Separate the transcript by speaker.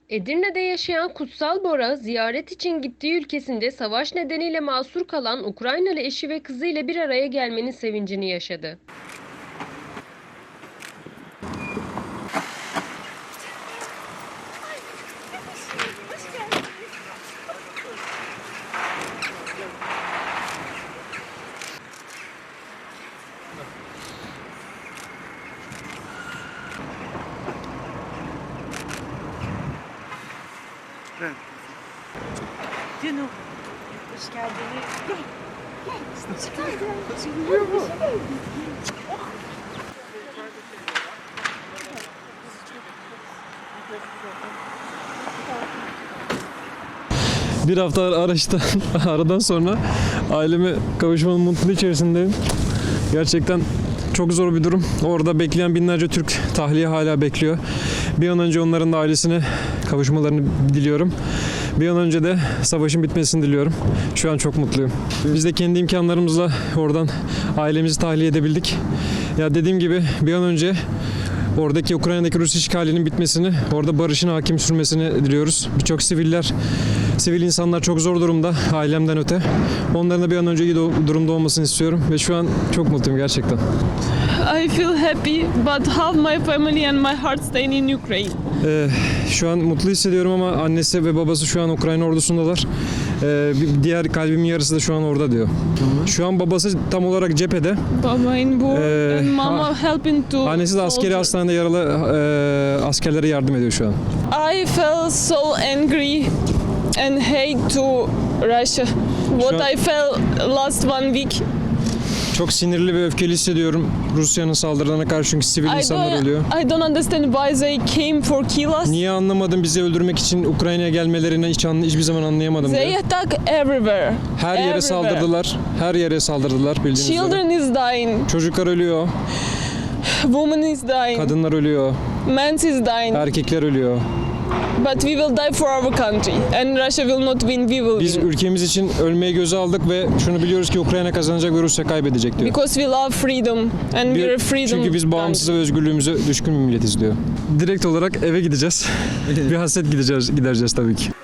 Speaker 1: Edirne'de yaşayan Kutsal Bora, ziyaret için gittiği ülkesinde savaş nedeniyle mahsur kalan Ukraynalı eşi ve kızıyla bir araya gelmenin sevincini yaşadı.
Speaker 2: Canım. Hoş geldiniz. Gel.
Speaker 3: Bir hafta aradan sonra aileme kavuşmanın mutluluğu içerisindeyim. Gerçekten çok zor bir durum. Orada bekleyen binlerce Türk tahliye hala bekliyor. Bir an önce onların da ailesine kavuşmalarını diliyorum. Bir an önce de savaşın bitmesini diliyorum. Şu an çok mutluyum. Biz de kendi imkanlarımızla oradan ailemizi tahliye edebildik. Ya dediğim gibi bir an önce oradaki Ukrayna'daki Rus işgalinin bitmesini, orada barışın hakim sürmesini diliyoruz. Birçok sivil insanlar çok zor durumda ailemden öte. Onların da bir an önce iyi durumda olmasını istiyorum ve şu an çok mutluyum gerçekten.
Speaker 4: I feel happy, but half my family and my heart staying in Ukraine.
Speaker 3: Şu an mutlu hissediyorum ama annesi ve babası şu an Ukrayna ordusundalar. Diğer kalbimin yarısı da şu an orada diyor. Şu an babası tam olarak cephede.
Speaker 4: Baba in war and mama helping to
Speaker 3: Annesi de askeri hastanede yaralı askerlere yardım ediyor şu an.
Speaker 4: I felt so angry and hate to Russia. What I felt last one week.
Speaker 3: Çok sinirli ve öfkeli hissediyorum Rusya'nın saldırılarına karşı çünkü sivil insanlar ölüyor.
Speaker 4: I don't understand why they came for kill us.
Speaker 3: Niye anlamadım bizi öldürmek için Ukrayna'ya gelmelerini hiçbir zaman anlayamadım
Speaker 4: They
Speaker 3: diyor.
Speaker 4: attack everywhere.
Speaker 3: Her yere saldırdılar. Her yere saldırdılar bildiğiniz üzere.
Speaker 4: Children is dying.
Speaker 3: Çocuklar ölüyor.
Speaker 4: Woman is dying.
Speaker 3: Kadınlar ölüyor.
Speaker 4: Men is dying.
Speaker 3: Erkekler ölüyor.
Speaker 4: But we will die for our country and Russia will not win, we will
Speaker 3: Biz
Speaker 4: win.
Speaker 3: ülkemiz için ölmeyi göze aldık ve şunu biliyoruz ki Ukrayna kazanacak ve Rusya kaybedecek diyor.
Speaker 4: Because we love freedom and we are freedom.
Speaker 3: Çünkü biz bağımsız ve özgürlüğümüze düşkün bir milletiz diyor. Direkt olarak eve gideceğiz. Bir hasret gidereceğiz tabii ki.